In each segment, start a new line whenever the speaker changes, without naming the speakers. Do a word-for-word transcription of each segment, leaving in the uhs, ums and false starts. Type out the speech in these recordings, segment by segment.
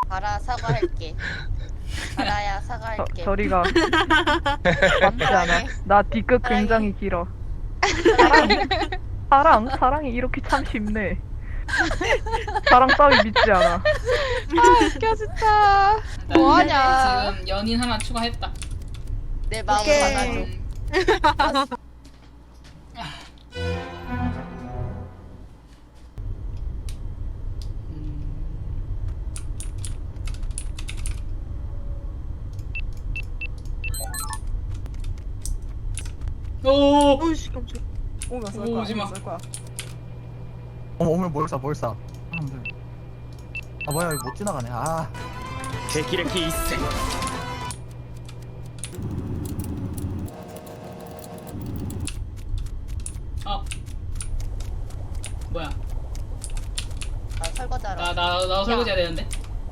가라 사과할게. 가라야 사과할게.
저리가 맞지 않아. 나 뒤끝
사랑해.
굉장히 길어. 사랑, 사랑, 사랑이 이렇게 참 쉽네. 사랑 따위 믿지 않아.
아 웃겨 진짜.
나
뭐하냐.
지금 연인 하나 추가했다.
내 마음
오케이.
받아줘.
오.
어이씨 깜짝.
오면 쏠
오,
거야.
오지 마.
오면 쏠 거야. 어머 오면 뭘 쏴? 뭘 쏴? 사람들. 아 뭐야 이거 못 지나가네. 아.
霹靂一閃
아. 뭐야?
아, 설거지하러.
나 나 나 설거지 해야 되는데.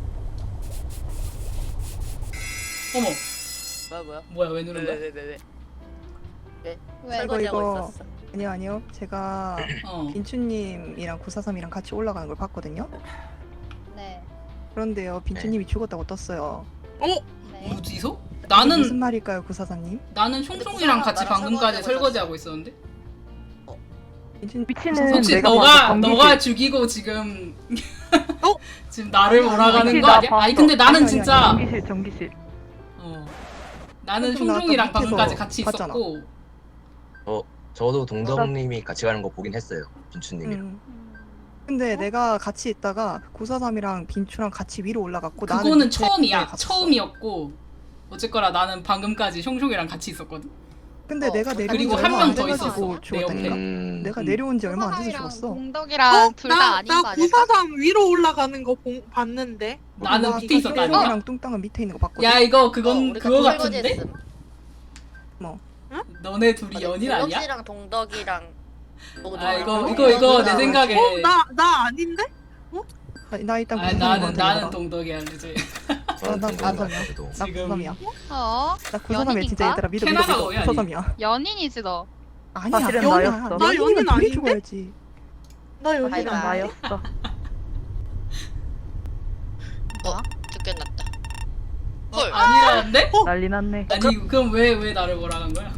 어머.
뭐야 뭐야?
뭐야 왜 누른 거야?
왜왜 왜 왜? 왜?
왜?
설거지하고
이거, 이거.
있었어.
아니요 아니요 제가
어.
빈추님이랑 구사삼이랑 같이 올라가는 걸 봤거든요.
네.
그런데요 빈추님이 죽었다고 떴어요.
네.
어디서?
이게
나는
무슨 말일까요 구사삼님?
나는 총총이랑 같이
나랑
방금까지
설거지하고
설거지하고 있었는데.
빈추님
미치는
혹시
내가
너가
먼저 경기실-
너가 죽이고 지금
어?
지금 나를 몰아가는
미치
거
나
아니야?
봤어.
아니 근데 나는
아니, 아니,
진짜
전기실 전기실.
어 나는
그럼 나 아까
총총이랑
밑에서
방금까지 같이
봤잖아.
있었고
어, 저도 동덕님이 같이 가는 거 보긴 했어요. 빈추님이랑.
음. 근데 내가 같이 있다가 구사삼이랑 빈추랑 같이 위로 올라갔고 나는
그거는
밑에
처음이야.
갔었어.
처음이었고 어쨌거나 나는 방금까지 총총이랑 같이 있었거든.
근데
어,
내가 내려온
그리고
지
한
얼마
명
안
더
돼가지고
있었어, 내
죽었다니까.
음,
내가
음.
내려온 지 얼마 안 돼서
구사삼이랑
죽었어.
동덕이랑 둘 다 아닌 거
나
아닐까?
구사삼 위로 올라가는 거 본, 봤는데.
나는
나
밑에 있었다니까.
총총이랑 뚱땅은 밑에 있는 거 봤거든.
야 이거
어,
그건
우리
그거
같이
같은데?
설거지했음.
뭐?
너네 둘이 연인 아니야?
갤럭시랑 동덕이랑 뭐
아 이거
누구랑
이거 이거 내
누구랑
생각에
어, 나, 나 아닌데?
나, 나 일단
아
구사삼인 것
나는
같아.
나는
내가.
동덕이야 이제.
저는
나- 나
동덕
구사삼이야.
저도.
나
지금-
구사삼이야.
어?
나 구사삼이야 진짜
연인인가?
얘들아 믿어 믿어
캐나다
믿어
거야,
구사삼이야.
연인이지 너.
아니야
사실은
연이야.
나였어.
나 연인
연인이면 둘이
아닌데?
죽어야지.
나 여기
바이바이.
나.
나였어.
어? 죽겠났다.
어,
헐.
아니라는데?
난리 났네.
아니 그럼 왜 왜 나를 몰아간 거야?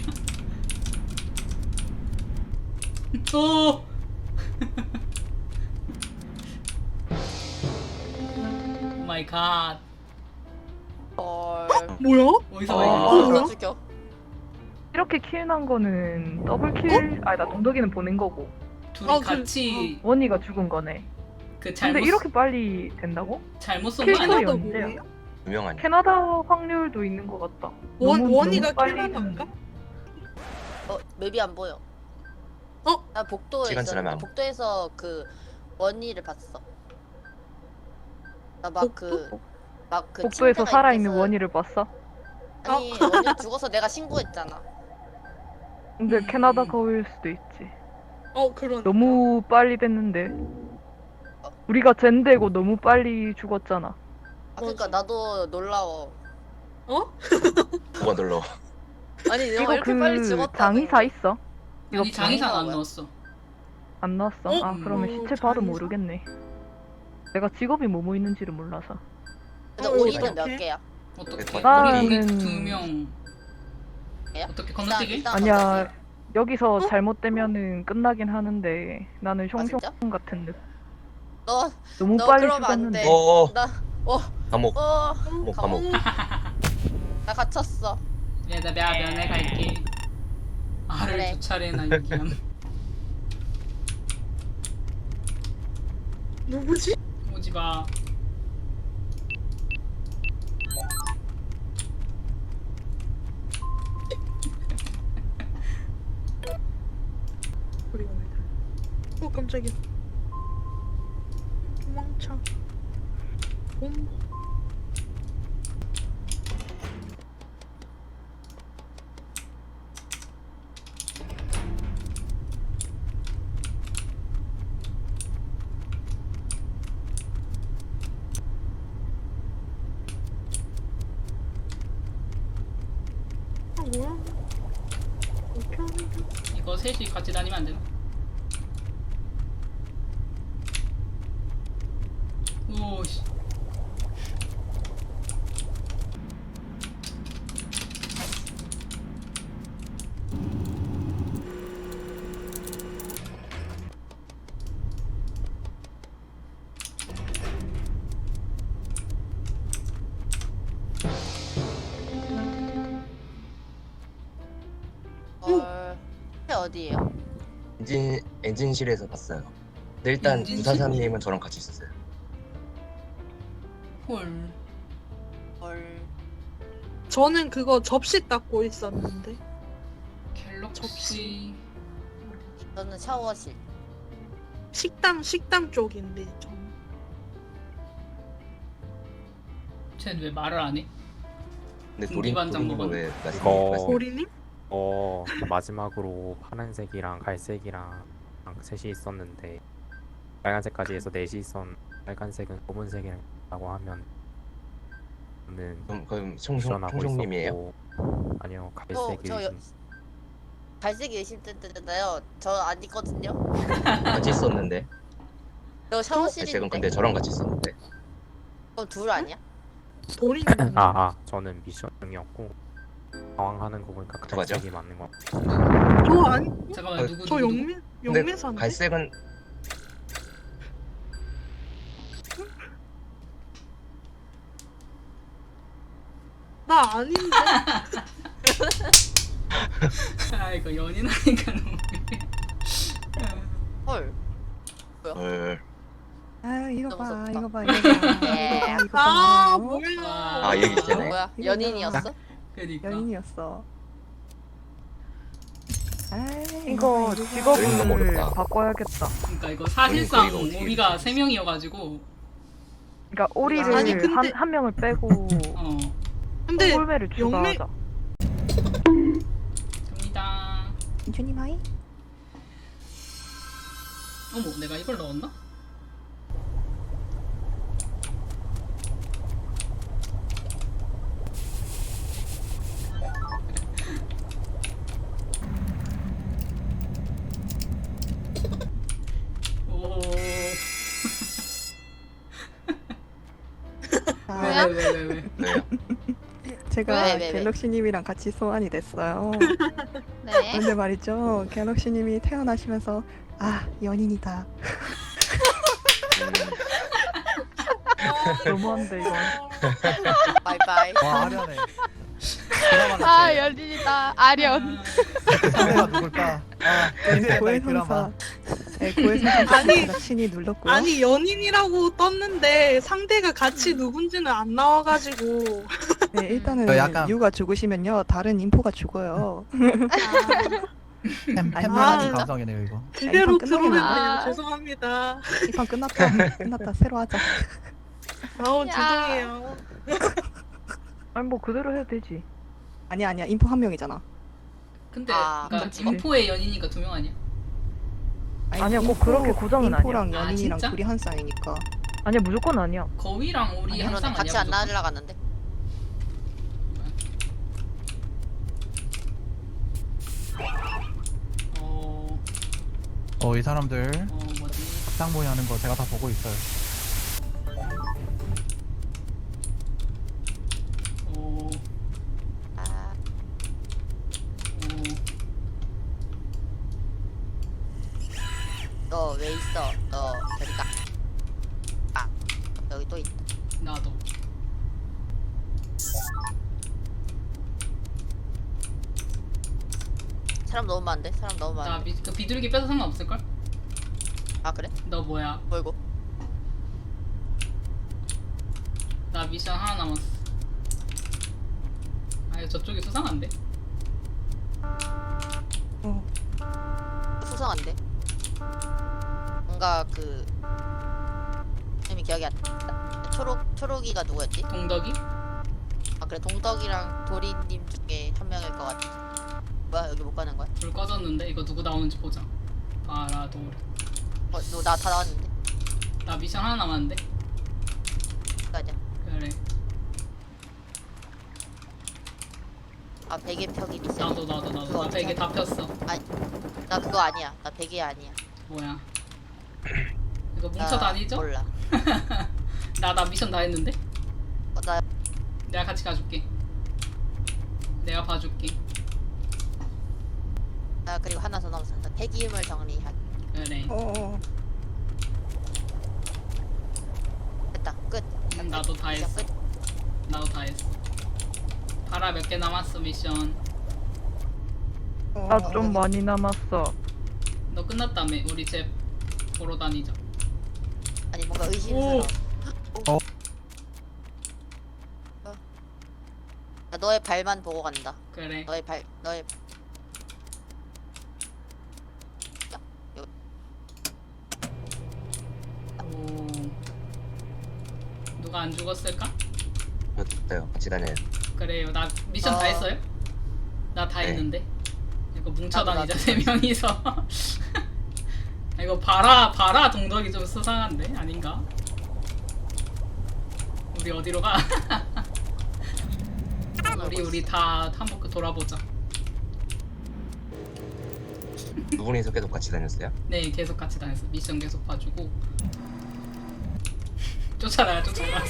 오. 오 마이 갓.
헐.
뭐야?
어디서
어.
와
뭐야?
누가 죽여?
이렇게 킬난 거는 더블 킬? 아니 나 동덕이는 보낸 거고
둘이
어, 그-
같이
원희가 죽은 거네.
그 잘못
근데 이렇게 빨리 된다고?
잘못 쏜 거
킬소리
아니야?
캐나다
언제야?
뭐예요?
유명 아니야?
캐나다 확률도 있는 것 같다.
원,
너무-
원이가
너무 빨리
캐나다인가?
어 맵이 안 보여.
어?
나 복도에
시간
있었는데
지나면 안
복도에서 그 원희를 봤어. 나 막 그 막 그
복도에서
침대가
살아있는
있는
원희를 봤어?
아니 원희 죽어서 내가 신고했잖아.
근데
음.
캐나다 거울 수도 있지.
어, 그런.
너무 빨리 됐는데 우리가 젠되고 너무 빨리 죽었잖아.
아 그러니까 나도 놀라워.
어?
뭐가 놀러?
아니 내가
이거
이렇게 빨리
그
죽었다.
장의사 있어? 이거
아니 장의사는 안
뭐야?
넣었어.
안 나왔어?
어?
아 그러면
어,
시체 봐도
장의사?
모르겠네. 내가 직업이 뭐뭐 있는지를 몰라서.
근데
어,
우리는
어떡해?
몇 개야?
어떻게?
나는-
우리 우리 두 명.
개야?
어떻게
일단-
건너뛰기?
일단
아니야
건너뛰기.
여기서 잘못되면 끝나긴 하는데 나는
아,
숑숑
진짜?
같은 느
너
너무
너
빨리
그러면 안
죽었는데.
돼.
어,
나 어.
감옥,
어.
감옥, 감옥.
나 갇혔어.
얘나 내가 면회 갈게. 알을
그래.
두 차례나 유기함.
누구지?
오지 마.
그리고 왜? 어, 깜짝이야. 도망쳐. 봄. 아, 뭐야? 어떻게 하는 거야?
이거 셋이 같이 다니면 안 되나? 오씨.
어디에요?
엔진 엔진실에서 봤어요. 근데 일단
엔진실?
구사삼님은 저랑 같이 있었어요.
헐.
헐.
저는 그거 접시 닦고 있었는데.
갤럭시.
저는 샤워실.
식당 식당 쪽인데 전.
쟤는 왜 말을 안 해?
근데 도린
군기반장
도린님은
먹었네.
왜 말씀
이거-
말씀?
고리님?
어 마지막으로 파란색이랑 갈색이랑 셋이 있었는데 빨간색까지 해서 넷이 있었. 빨간색은 검은색이라고 하면 저는
그럼 그럼 총총
미션하고
총총님이에요?
있었고 아니요
저,
갈색이
저 여, 갈색이 의심 때잖아요. 저 안 있거든요.
같이 있었는데.
저
갈색은
샤워실인데.
근데 저랑 같이 있었는데.
그럼 둘 아니야?
도리님.
아, 아 저는 미션 중이었고 상황하는 거 보니까
어떡하죠?
갈색이 맞는 거.
저 아니
잠깐만
어,
누구
저
누구 누구?
영민
근데
영민사인데.
갈색은
나 아닌데.
아 이거 연인하니까 너무.
헐.
헐.
아 이거
너무
봐
무섭다.
이거 봐 이거 봐
예.
이거 봐 이거
아
봐
뭐야.
아, 얘기 있잖아요.
뭐야?
이거
연인이었어?
그러니까.
연인이었어. 아이,
이거
여긴 너무
직업을
어렵다.
바꿔야겠다.
그러니까 이거 사실상
이거 어떻게
우리가
해야
세 명이어가지고
그러니까 오리를
아니, 근데-
한, 한 명을 빼고
어
근데
홀매를
영매-
추가하자.
됩니다.
민준님 하이.
어머 내가 이걸 넣었나? 오.
자,
왜왜 왜 왜 왜?
왜요?
제가
왜, 왜, 왜?
갤럭시님이랑 같이 소환이 됐어요.
네.
근데 말이죠, 갤럭시님이 태어나시면서 아 연인이다.
너무한데 이건.
바이바이.
와 아련해. 드라마
아
같아.
열린이다. 아련.
상대가 누굴까? 아 기대된다 이 드라마.
고해성사. 네, 고해성사
아니,
신이 눌렀고요.
아니 연인이라고 떴는데 상대가 같이 누군지는 안 나와가지고.
네, 일단은
저 약간-
유가 죽으시면요, 다른 인포가 죽어요.
햄
아,
햄버거
진짜?
감성이네요 이거.
그대로
이판 끝나면
들어오네요.
아.
죄송합니다.
이 판 끝났다. 끝났다. 새로 하자.
아우
야.
죄송해요.
아니 뭐 그대로 해도 되지.
아니야 아니야, 인포 한 명이잖아.
근데
아,
그러니까
그치.
인포의 연인이니까 두 명 아니야?
아니,
아니야, 꼭
인포-
그렇게 고정은
인포랑
아니야. 아,
연인이랑
진짜?
둘이 한 쌍이니까.
아니야 무조건 아니야.
거위랑 우리
아니,
한
그러네.
쌍
같이
아니야?
안
무조건?
날라갔는데.
어,
어 이 사람들
어 뭐지?
쌍모이 하는 거 제가 다 보고 있어요.
어,
아,
어,
너 왜 있어? 너 저리 가. 아, 여기 또 있다.
나도.
사람 너무 많은데? 사람 너무
나
많은데.
비, 그 비둘기 빼서 상관없을 걸?
아 그래?
너 뭐야?
뭘고?
나 미션 하나 남았어. 아 이거 저쪽이 수상한데?
어,
수상한데? 뭔가 그 이름이 기억이 안 나. 초록 초록이가 누구였지?
동덕이?
아 그래 동덕이랑 도리님 중에 한 명일 것 같아. 뭐야 여기 못 가는 거야?
불 꺼졌는데 이거 누구 나오는지 보자. 바라돌.
어 너 나 다 나왔는데?
나 미션 하나 남았는데?
가자.
그래.
아 베개 펴기 미션.
나도 나도 나도.
그거
나
어떻게
베개 다 폈어.
나 그거 아니야. 나 베개 아니야.
뭐야? 이거
나
뭉쳐 다니죠?
몰라.
나 나 미션 다 했는데?
어, 나
내가 같이 가줄게. 내가 봐줄게.
나 그리고 하나 더 남았어. 나 폐기물 정리할.
그래.
어, 어.
됐다. 끝.
음, 나도 다
이제
했어.
끝.
나도 다 했어. 바라 몇 개 남았어 미션.
어,
나 좀 많이 남았어.
너 끝났다며. 우리 집 보러 다니자.
아니 뭔가 의심스러워.
어.
어. 나 너의 발만 보고 간다.
그래.
너의 발, 너의
오. 누가 안 죽었을까?
저도요. 같이 다녀요.
그래요. 나 미션 다
어.
했어요? 나 다
네.
했는데. 이거 뭉쳐
나도,
다니자
나도.
세 명이서. 이거 바라 바라 동덕이 좀 수상한데 아닌가? 우리 어디로 가? 우리 우리 다 한번 돌아보자.
두 분이서 계속 같이 다녔어요?
네, 계속 같이 다녔어. 미션 계속 봐주고. 쫓아라, 쫓아라.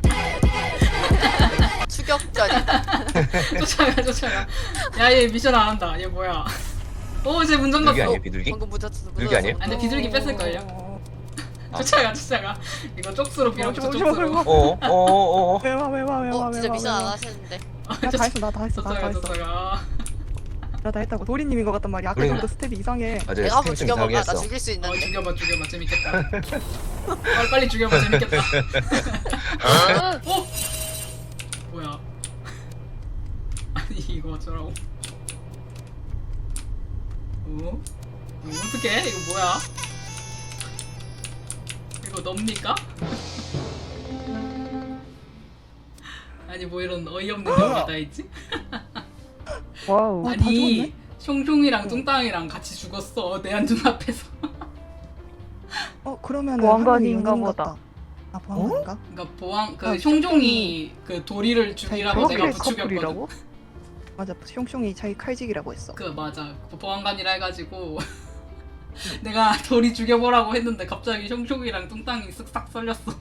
추격전이다.
쫓아가, 쫓아가. 야, 얘 미션 안 한다. 얘 뭐야? 오, 쟤 문전
비둘기
갔어.
아니에요? 비둘기?
방금 묻었어.
여기 아니에요?
아니, 비둘기 뺐을걸요?
어,
쫓아가, 쫓아가. 이거 쪽수로 빌어줘,
오지 마, 오지 마,
쪽수로.
오지
어어 어어 어.
왜와 왜와 왜와
어,
왜와
진짜 미션 안
왜와.
하시는데.
나 다 했어 나 다 했어 나 다
쫓아가,
했어
쫓아가.
나 다 했다고. 도리님인 것 같단 말이야. 아까
도리님-
전부터 스텝이 이상해.
맞아요.
내가 한번
스텝 좀
죽여볼까? 나
이상했어.
죽일 수
어,
있는데.
죽여봐, 죽여봐. 재밌겠다. 빨리, 빨리 죽여봐, 재밌겠다. 어? 뭐야? 아니, 이거 어쩌라고. 어? 이거 어떡해? 이거 뭐야? 이거 넙니까? 아니 뭐 이런 어이없는 경우가 다 있지?
와우.
아, 다
아니
죽었네?
숑숑이랑 뚱땅이랑 같이 죽었어 내 안 눈앞에서.
어 그러면
보안관인가 보다.
아 보안관인가?
그러니까 보안 그
아,
숑숑이 그 도리를 죽이라고 내가
저렇게
부추겼거든.
커플이라고?
맞아. 숑숑이 자기 칼직이라고 했어.
그 맞아 그 보안관이라 해가지고 내가 도리 죽여보라고 했는데 갑자기 숑숑이랑 뚱땅이 쓱싹 썰렸어.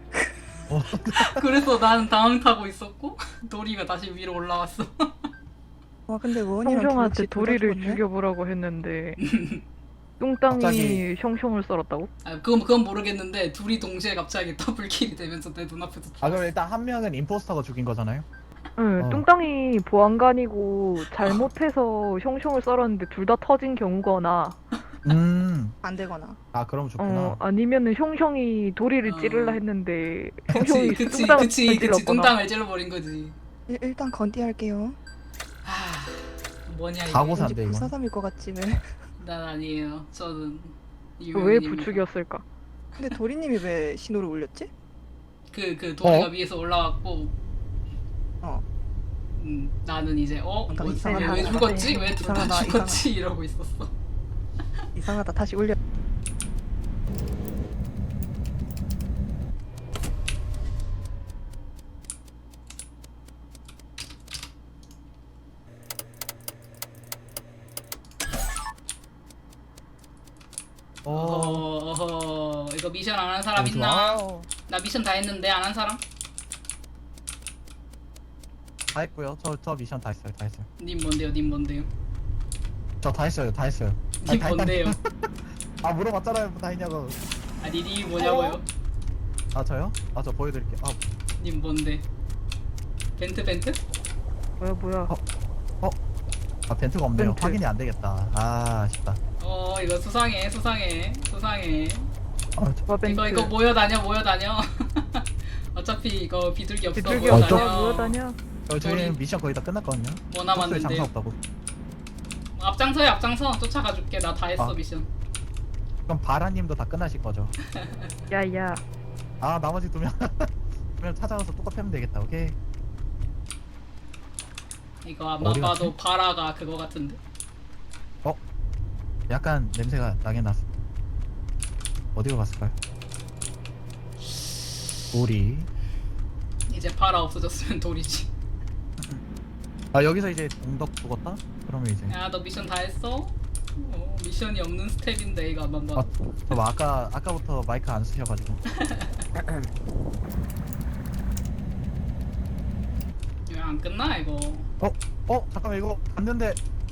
그래서 나는 당황 타고 있었고 도리가 다시 위로 올라왔어.
와 근데 원이랑
형형한테
갤럭시 둘다
도리를
죽었네?
죽여보라고 했는데 뚱땅이
갑자기-
형형을 썰었다고?
아 그건 그건 모르겠는데 둘이 동시에 갑자기 더블킬이 되면서 내 눈앞에서 죽-
아 그럼 일단 한 명은 임포스터가 죽인 거잖아요?
응,
어.
뚱땅이 보안관이고 잘못해서 형형을 썰었는데 둘 다 터진 경우거나
음.
안 되거나.
아 그럼 좋구나.
어 아니면은 형형이 도리를
어.
찌르려 했는데
그치
형형이
그치
뚱땅을
그치 그치
찔렀거나.
뚱땅을 찔러버린 거지.
일, 일단 건디 할게요.
하 뭐냐 이거.
가고
왠지
산대 이거.
불사삼일 것 같지 왜?
난 아니에요. 저는
왜
유명인입니다.
부축이었을까?
근데 도리님이 왜 신호를 올렸지?
그, 그 도리가
어?
위에서 올라왔고
어.
음, 나는 이제 어?
뭔가
뭐,
이상하다.
왜 죽었지? 왜 둘 다
이상하다,
죽었지? 이러고 있었어.
이상하다. 다시 올려.
어.
어허, 어허. 이거 미션 안 한 사람 있나?
좋아.
나 미션 다 했는데 안 한 사람?
다 했고요. 저 저 미션 다 했어요. 다 했어요.
님 뭔데요? 님 뭔데요?
저 다 했어요. 다 했어요. 아니,
님
다 했다니-
뭔데요?
아 물어봤잖아요. 뭐 다 했냐고.
아니 님 뭐냐고요?
아 저요? 아 저 보여드릴게요. 아,
님 뭔데? 벤트 벤트?
뭐야 뭐야?
아 벤트가 없네요.
벤트.
확인이 안 되겠다. 아 아쉽다.
어 이거 수상해 수상해 수상해.
아, 저,
뭐 벤트?
이거 이거 모여 다녀 모여 다녀. 어차피 이거 비둘기 없어
비둘기
모여
어,
없어
다녀.
모여 다녀.
저 저희
우리-
미션 거의 다 끝났거든요.
뭐
장사
남았는데?
없다고.
앞장서요 앞장서 쫓아가 줄게. 나 다 했어
아.
미션.
그럼 바라님도 다 끝나실 거죠?
야야.
아 나머지 두 명. 두 명 찾아가서 똑같이 하면 되겠다. 오케이.
이거 아마
어디
봐도 바라가 그거 같은데.
약간 냄새가 나긴 났어. 어디로 갔을까요? 우리.
이제 바라 없어졌으면 돌이지.
아 여기서 이제 동덕 죽었다? 그러면 이제.
야 너 미션 다 했어? 어, 미션이 없는 스텝인데 이거 아마
아,
봐.
저 아까 아까부터 마이크 안 쓰셔가지고.
왜 안 끝나 이거?
어 잠깐만 이거 갔는데.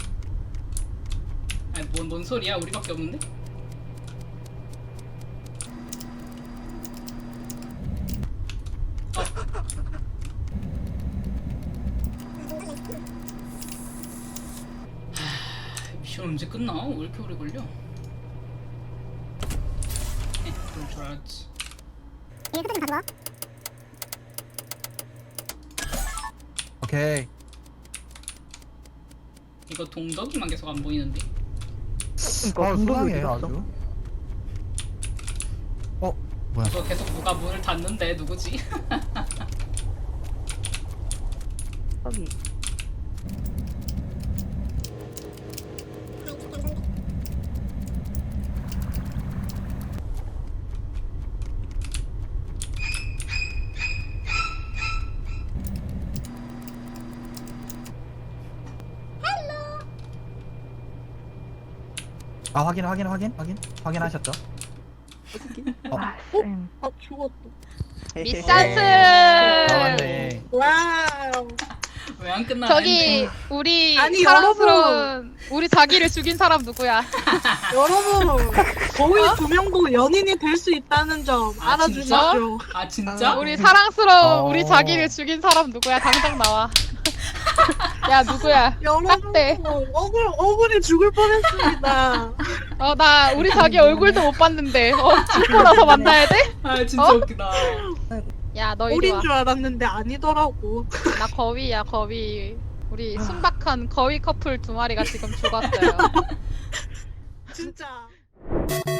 아니 뭔, 뭔 소리야? 우리밖에 없는데? 하, 다들 언제 끝나? 왜 이렇게 오래 걸려? 에, 그럴 줄 알았지.
오케이.
이거 동덕이만 계속 안 보이는데.
그러니까
아,
동덕이
수상해
어디 갔어?
아주. 어, 뭐야?
이거 계속 누가 문을 닫는데 누구지?
저기.
아, 확인, 확인, 확인, 확인, 확인하셨죠? 어.
아, 쌤.
아 죽었다.
미사스.
아, 맞네.
와우.
왜 안 끝나?
저기 우리
아니,
사랑스러운 우리 자기를 죽인 사람 누구야?
여러분 거의 두 명도 연인이 될 수 있다는 점
아,
알아주십시오.
아 진짜?
우리 사랑스러운
어.
우리 자기를 죽인 사람 누구야? 당장 나와. 야 누구야?
여러분
딱대.
억울 억울해 죽을 뻔했습니다.
어 나 우리 자기 얼굴도 못 봤는데 어 죽고 나서 만나야 돼?
아 진짜
어?
웃기다.
야 너 이리
올인
와.
줄 알았는데 아니더라고.
나 거위야 거위. 우리 순박한 거위 커플 두 마리가 지금 죽었어요.
진짜.